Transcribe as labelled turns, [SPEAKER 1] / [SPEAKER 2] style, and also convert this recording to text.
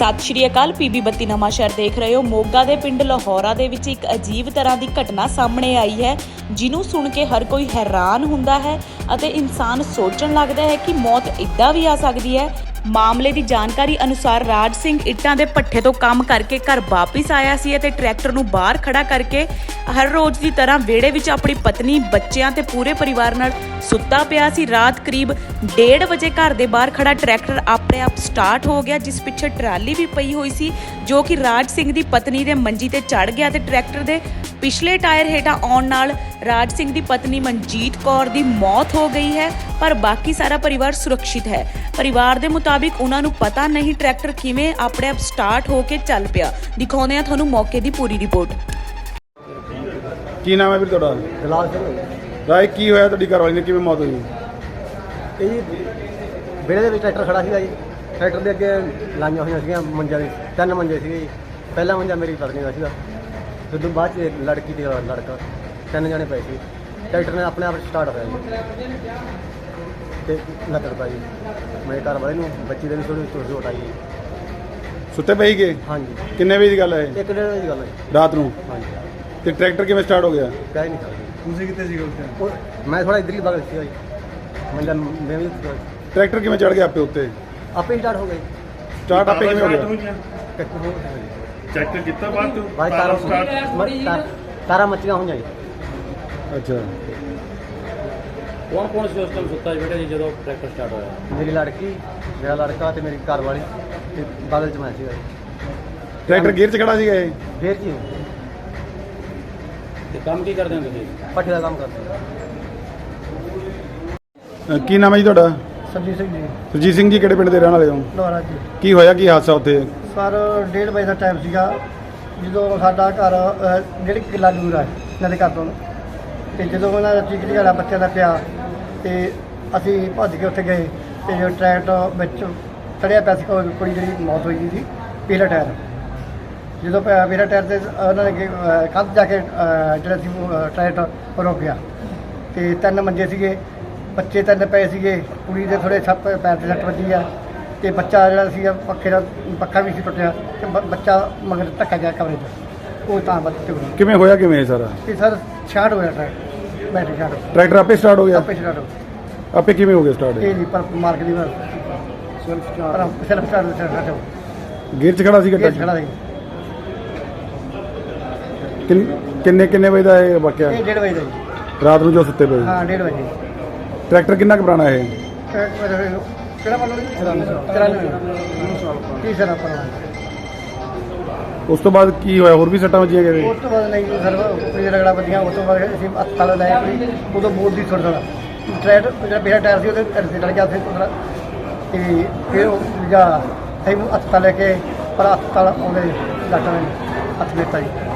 [SPEAKER 1] ਸਤਿ ਸ਼੍ਰੀ ਅਕਾਲ। PB 32 ਨਵਾਂ ਸ਼ਹਿਰ ਦੇਖ ਰਹੇ ਹੋ। ਮੋਗਾ ਦੇ ਪਿੰਡ ਲਾਹੌਰਾ ਦੇ ਵਿੱਚ ਇੱਕ ਅਜੀਬ ਤਰ੍ਹਾਂ ਦੀ ਘਟਨਾ ਸਾਹਮਣੇ ਆਈ ਹੈ, ਜਿਹਨੂੰ ਸੁਣ ਕੇ ਹਰ ਕੋਈ ਹੈਰਾਨ ਹੁੰਦਾ ਹੈ ਅਤੇ ਇਨਸਾਨ ਸੋਚਣ ਲੱਗਦਾ ਹੈ ਕਿ ਮੌਤ ਇੱਦਾਂ ਵੀ ਆ ਸਕਦੀ ਹੈ। ਮਾਮਲੇ ਦੀ ਜਾਣਕਾਰੀ ਅਨੁਸਾਰ ਰਾਜ ਸਿੰਘ ਇੱਟਾਂ ਦੇ ਭੱਠੇ ਤੋਂ ਕੰਮ ਕਰਕੇ ਘਰ ਵਾਪਿਸ ਆਇਆ ਸੀ ਅਤੇ ਟਰੈਕਟਰ ਨੂੰ ਬਾਹਰ ਖੜਾ ਕਰਕੇ ਹਰ ਰੋਜ਼ ਦੀ ਤਰ੍ਹਾਂ ਵਿਹੜੇ ਵਿੱਚ ਆਪਣੀ ਪਤਨੀ, ਬੱਚਿਆਂ ਤੇ ਪੂਰੇ ਪਰਿਵਾਰ ਨਾਲ ਸੁੱਤਾ ਪਿਆ ਸੀ। ਰਾਤ ਕਰੀਬ 1:30 ਵਜੇ ਘਰ ਦੇ ਬਾਹਰ ਖੜਾ ਟਰੈਕਟਰ ਆਪਣੇ ਆਪ ਸਟਾਰਟ ਹੋ ਗਿਆ, ਜਿਸ ਪਿੱਛੇ ਟਰਾਲੀ ਵੀ ਪਈ ਹੋਈ ਸੀ, ਜੋ ਕਿ ਰਾਜ ਸਿੰਘ ਦੀ ਪਤਨੀ ਦੇ ਮੰਜੀ ਤੇ ਚੜ ਗਿਆ ਤੇ ਟਰੈਕਟਰ ਦੇ ਪਿਛਲੇ ਟਾਇਰ ਹੇਠਾਂ ਆਉਣ ਨਾਲ ਰਾਜ ਸਿੰਘ ਦੀ ਪਤਨੀ ਮਨਜੀਤ ਕੌਰ ਦੀ ਮੌਤ ਹੋ ਗਈ ਹੈ, ਪਰ ਬਾਕੀ ਸਾਰਾ ਪਰਿਵਾਰ ਸੁਰੱਖਿਅਤ ਹੈ। ਪਰਿਵਾਰ ਦੇ ਮੁਤਾਬਿਕ ਉਹਨਾਂ ਨੂੰ ਪਤਾ ਨਹੀਂ ਟਰੈਕਟਰ ਕਿਵੇਂ ਆਪਣੇ ਆਪ ਸਟਾਰਟ ਹੋ ਕੇ ਚੱਲ ਪਿਆ। ਦਿਖਾਉਂਦੇ ਆ ਤੁਹਾਨੂੰ ਮੌਕੇ ਦੀ ਪੂਰੀ ਰਿਪੋਰਟ।
[SPEAKER 2] ਕੀ ਨਾਮ ਹੈ ਵੀਰ ਤੁਹਾਡਾ?
[SPEAKER 3] ਜਲਾਲ ਸਿੰਘ।
[SPEAKER 2] ਰਾਏ ਕੀ ਹੋਇਆ ਤੁਹਾਡੀ ਘਰਵਾਲੀ ਨੇ, ਕਿਵੇਂ ਮੌਤ ਹੋਈ?
[SPEAKER 3] ਇਹ ਜੀ ਵਿਹੜੇ ਦੇ ਵਿੱਚ ਟਰੈਕਟਰ ਖੜਾ ਸੀਗਾ ਜੀ। ਟਰੈਕਟਰ ਦੇ ਅੱਗੇ ਲਾਈਆਂ ਹੋਈਆਂ ਸੀਗੀਆਂ ਮੰਜਾ ਦੇ, 3 ਮੰਜੇ ਸੀਗੇ ਜੀ। ਪਹਿਲਾ ਮੰਜਾ ਮੇਰੀ ਪਤਨੀ ਦਾ ਸੀਗਾ, ਫਿਰ ਤੋਂ ਬਾਅਦ 'ਚ ਲੜਕੀ ਤੇ ਲੜਕਾ, 3 ਜਣੇ ਪਏ ਸੀ। ਟਰੈਕਟਰ ਨੇ ਆਪਣੇ ਆਪ ਸਟਾਰਟ ਹੋਇਆ ਜੀ ਤੇ ਲੱਤੜ ਪਾਈ ਮੇਰੇ ਘਰ ਵਾਲੇ ਨੂੰ, ਬੱਚੀ ਦੇ ਵੀ ਥੋੜੀ ਚੋਟ ਆਈ ਜੀ।
[SPEAKER 2] ਸੁੱਤੇ ਪਈ ਗਏ?
[SPEAKER 3] ਹਾਂਜੀ।
[SPEAKER 2] ਕਿੰਨੇ ਵਜੇ ਦੀ ਗੱਲ ਹੈ?
[SPEAKER 3] 1:30 ਵਜੇ ਦੀ ਗੱਲ ਹੈ ਜੀ।
[SPEAKER 2] ਰਾਤ ਨੂੰ?
[SPEAKER 3] ਹਾਂਜੀ।
[SPEAKER 2] ਤੇ ਟਰੈਕਟਰ ਕਿਵੇਂ ਸਟਾਰਟ ਹੋ ਗਿਆ?
[SPEAKER 3] ਕਹਿ ਨਹੀਂ ਸਕਦੇ।
[SPEAKER 2] ਤੁਸੀਂ ਕਿੱਥੇ ਸੀਗੇ ਉਸ ਟਾਈਮ?
[SPEAKER 3] ਮੈਂ ਥੋੜਾ ਇੱਧਰ ਹੀ ਬਗਲ ਸੀਗਾ ਜੀ। ਮੰਜਾ ਮੈਂ ਵੀ
[SPEAKER 2] ਟਰੈਕਟਰ ਕਿਵੇਂ ਚੜ ਗਿਆ ਆਪੇ ਉੱਤੇ?
[SPEAKER 3] ਆਪੇ ਹੀ ਸਟਾਰਟ ਹੋ ਗਈ।
[SPEAKER 2] ਸਟਾਰਟ ਆਪੇ ਕਿਵੇਂ ਹੋ ਗਿਆ?
[SPEAKER 4] ਚੈੱਕ ਕੀਤਾ ਬਾਅਦ ਤੋਂ?
[SPEAKER 3] ਬਾਈ ਤਾਰਾ ਮੱਚੀਆਂ ਹੋਈਆਂ ਜੀ।
[SPEAKER 2] ਅੱਛਾ।
[SPEAKER 5] ਕੌਣ ਸੀ ਉਸ ਟਾਈਮ ਸੁੱਤਾ ਬੇਟਾ ਜੀ ਜਦੋਂ ਟਰੈਕਟਰ ਸਟਾਰਟ ਹੋਇਆ?
[SPEAKER 3] ਮੇਰੀ ਲੜਕੀ, ਮੇਰਾ ਲੜਕਾ ਤੇ ਮੇਰੀ ਘਰ ਵਾਲੀ ਤੇ ਬਾਦਲ ਚ ਮੈਂ ਸੀਗਾ ਜੀ।
[SPEAKER 2] ਟਰੈਕਟਰ ਗੇਅਰ 'ਚ ਖੜਾ ਸੀਗਾ ਇਹ?
[SPEAKER 3] ਫੇਰ ਜੀ
[SPEAKER 5] ਤੇ ਕੰਮ ਕੀ ਕਰਦੇ ਹੋ ਤੁਸੀਂ?
[SPEAKER 3] ਪੱਠੇ ਦਾ ਕੰਮ ਕਰਦੇ।
[SPEAKER 2] ਕੀ ਨਾਮ ਹੈ ਜੀ ਤੁਹਾਡਾ?
[SPEAKER 3] ਸਰਜੀਤ ਸਿੰਘ ਜੀ।
[SPEAKER 2] ਸੁਰਜੀਤ ਸਿੰਘ ਜੀ, ਕਿਹੜੇ ਪਿੰਡ ਦੇ ਰਹਿਣ ਵਾਲੇ ਹੋ?
[SPEAKER 3] ਲੋਹਾਰਾ ਜੀ।
[SPEAKER 2] ਕੀ ਹੋਇਆ, ਕੀ ਹਾਦਸਾ ਉੱਥੇ?
[SPEAKER 3] ਸਰ 1:30 ਵਜੇ ਦਾ ਟਾਈਮ ਸੀਗਾ, ਜਦੋਂ ਸਾਡਾ ਘਰ 1.5 ਕਿੱਲਾ ਦੂਰ ਹੈ ਇਹਨਾਂ ਦੇ ਘਰ ਤੋਂ, ਤੇ ਜਦੋਂ ਉਹਨਾਂ ਦਾ ਚੀਕ ਚਿਹਾੜਾ ਬੱਚਿਆਂ ਦਾ ਪਿਆ ਤੇ ਅਸੀਂ ਭੱਜ ਕੇ ਉੱਥੇ ਗਏ ਤੇ ਜੋ ਟਰੈਕਟਰ ਵਿੱਚ ਚੜਿਆ ਪਿਆ ਸੀ ਕੁੜੀ ਜਿਹੜੀ ਮੌਤ ਹੋਈ ਸੀ, ਪਹਿਲਾ ਟਾਇਰ। ਜਦੋਂ ਪਹਿਲਾ ਟਾਇਰ ਤੇ ਉਹਨਾਂ ਨੇ ਕੰਧ ਜਾ ਕੇ ਜਿਹੜਾ ਸੀ ਟਰੈਕਟਰ ਰੁਕ ਗਿਆ ਤੇ 3 ਮੰਜੇ ਸੀਗੇ, ਬੱਚੇ 3 ਪਏ ਸੀਗੇ, ਕੁੜੀ ਦੇ ਥੋੜ੍ਹੇ ਸੱਟ ਪੈਰ 'ਤੇ ਸੱਟ ਵੱਜੀ ਆ ਤੇ ਬੱਚਾ ਜਿਹੜਾ ਸੀਗਾ ਪੱਖੇ ਦਾ ਪੱਖਾ ਵੀ ਸੀ ਟੁੱਟਿਆ ਤੇ ਬੱਚਾ ਮਗਰ ਧੱਕਾ ਗਿਆ ਕਮਰੇ 'ਚ, ਉਹ ਤਾਂ ਬੱਚੇ ਹੋਈ।
[SPEAKER 2] ਕਿਵੇਂ ਹੋਇਆ, ਕਿਵੇਂ ਇਹ ਸਾਰਾ?
[SPEAKER 3] ਤੇ ਸਰ ਸ਼ਾਰਟ ਹੋਇਆ ਟਰੈਕਟਰ, ਬੈਟਰੀ ਸ਼ਾਰਟ।
[SPEAKER 2] ਟਰੈਕਟਰ ਆਪੇ ਸਟਾਰਟ ਹੋ ਗਿਆ?
[SPEAKER 3] ਆਪੇ ਸ਼ਾਰਟ ਹੋ ਗਿਆ।
[SPEAKER 2] ਆਪੇ ਕਿਵੇਂ ਹੋ ਗਿਆ ਸਟਾਰਟ?
[SPEAKER 3] ਇਹ ਨਹੀਂ ਪਰ ਮਾਰਕ ਦੀ ਸੈਲਫ ਸਟਾਰਟ ਹੋ
[SPEAKER 2] ਗੇਅਰ 'ਚ ਖੜਾ ਸੀਗਾ
[SPEAKER 3] ਗਿਆ।
[SPEAKER 2] ਟਰੈਕਟਰ?
[SPEAKER 3] ਖੜਾ ਸੀ।
[SPEAKER 2] ਕਿੰਨੇ ਵਜੇ ਦਾ ਇਹ ਵਾਕਿਆ?
[SPEAKER 3] ਇਹ 1:30 ਵਜੇ ਦਾ ਜੀ।
[SPEAKER 2] ਰਾਤ ਨੂੰ ਜੋ ਸੁੱਤੇ ਪਏ?
[SPEAKER 3] ਹਾਂ 1:30 ਵਜੇ।
[SPEAKER 2] ਟਰੈਕਟਰ ਕਿੰਨਾ ਕੁ ਪੁਰਾਣਾ ਇਹ?
[SPEAKER 3] ਕਿਹੜਾ ਮੰਨ ਲਓ 30 ਸਾਲ ਪੁਰਾਣਾ।
[SPEAKER 2] ਉਸ ਤੋਂ ਬਾਅਦ ਕੀ ਹੋਇਆ, ਹੋਰ ਵੀ ਸੱਟਾਂ ਵੱਜੀਆਂ ਕਿਤੇ?
[SPEAKER 3] ਉਸ ਤੋਂ ਬਾਅਦ ਨਹੀਂ ਸਰ, ਕੁੜੀ ਦਾ ਰਗੜਾ ਵੱਜੀਆਂ। ਉਸ ਤੋਂ ਬਾਅਦ ਅਸੀਂ ਹਸਪਤਾਲ ਲੈ ਗਏ। ਉਦੋਂ ਬੋਲਦੀ ਥੋੜ੍ਹਾ ਥੋੜ੍ਹਾ ਟਰੈਕਟਰ ਜਿਹੜਾ ਪਹਿਲਾ ਟਾਇਰ ਸੀ ਉਹਦੇ ਢਿੱਡ 'ਤੇ ਲੜ ਗਿਆ ਫਿਰ ਤੇ ਫਿਰ ਉਹ ਜਾ ਅਸੀਂ ਹਸਪਤਾਲ ਲੈ ਕੇ, ਪਰ ਹਸਪਤਾਲ ਆਉਂਦੇ ਡਾਕਟਰ ਨੇ ਹੱਥ ਦਿੱਤਾ ਜੀ।